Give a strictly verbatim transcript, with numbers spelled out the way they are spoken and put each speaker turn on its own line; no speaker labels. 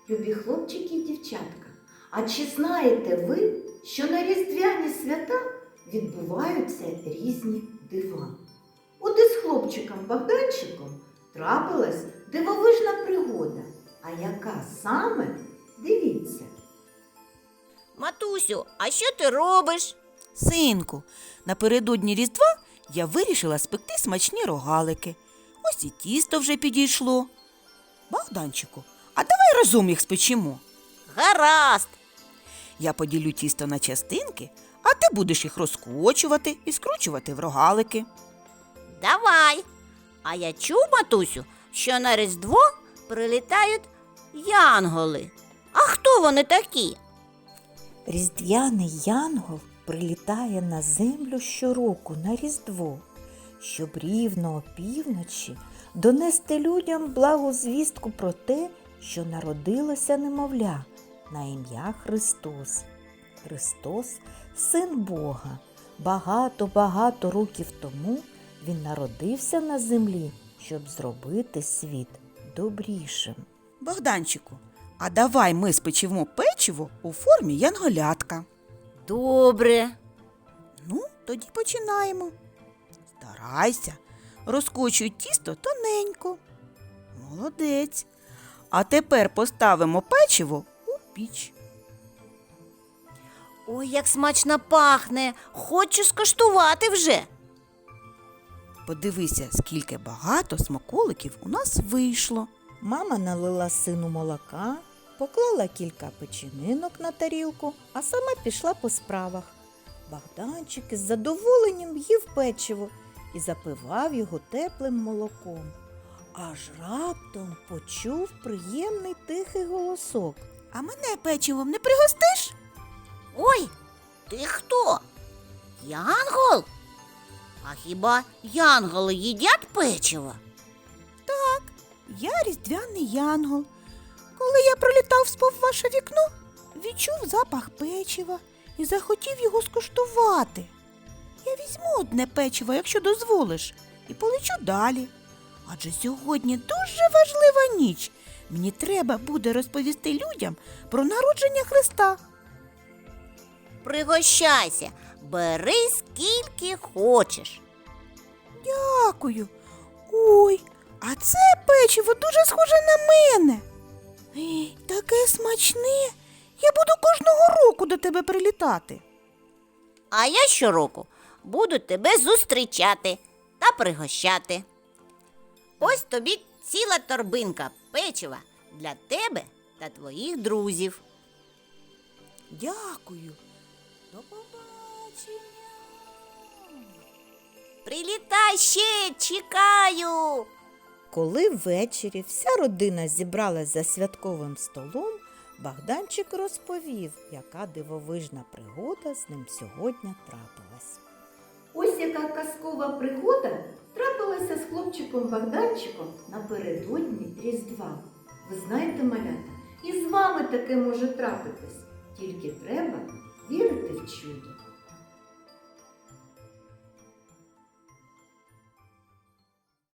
Любі хлопчики і дівчатка, а чи знаєте ви, що на різдвяні свята відбуваються різні дива? От із хлопчиком Богданчиком трапилась дивовижна пригода. А яка саме? Дивіться.
Матусю, а що ти робиш?
Синку, напередодні Різдва я вирішила спекти смачні рогалики. Ось і тісто вже підійшло. Богданчику, а давай разом їх спечемо.
Гаразд.
Я поділю тісто на частинки, а ти будеш їх розкочувати і скручувати в рогалики.
Давай. А я чув, матусю, що на Різдво прилітають янголи. А хто вони такі?
Різдвяний янгол прилітає на землю щороку на Різдво, щоб рівно опівночі донести людям благу звістку про те, що народилося немовля на ім'я Христос. Христос – Син Бога. Багато-багато років тому Він народився на землі, щоб зробити світ добрішим.
Богданчику, а давай ми спечемо печиво у формі янголятка.
Добре.
Ну, тоді починаємо. Старайся, розкочуй тісто тоненько. Молодець. А тепер поставимо печиво у піч.
Ой, як смачно пахне. Хочу скуштувати вже.
Подивися, скільки багато смаколиків у нас вийшло.
Мама налила сину молока, поклала кілька печенинок на тарілку, а сама пішла по справах. Богданчик із задоволенням їв печиво і запивав його теплим молоком. Аж раптом почув приємний тихий голосок.
А мене печивом не пригостиш?
Ой, ти хто? Янгол? А хіба янголи їдять печиво?
Я різдвяний янгол. Коли я пролітав повз ваше вікно, відчув запах печива і захотів його скуштувати. Я візьму одне печиво, якщо дозволиш, і полечу далі. Адже сьогодні дуже важлива ніч. Мені треба буде розповісти людям про народження Христа.
Пригощайся, бери скільки хочеш.
Дякую. Ой, а це печиво дуже схоже на мене. Ей, таке смачне. Я буду кожного року до тебе прилітати.
А я щороку буду тебе зустрічати та пригощати. Ось тобі ціла торбинка печива для тебе та твоїх друзів.
Дякую. До побачення.
Прилітай ще, чекаю.
Коли ввечері вся родина зібралась за святковим столом, Богданчик розповів, яка дивовижна пригода з ним сьогодні трапилась.
Ось яка казкова пригода трапилася з хлопчиком Богданчиком напередодні Різдва. Ви знаєте, малята, і з вами таке може трапитись. Тільки треба вірити в чудо.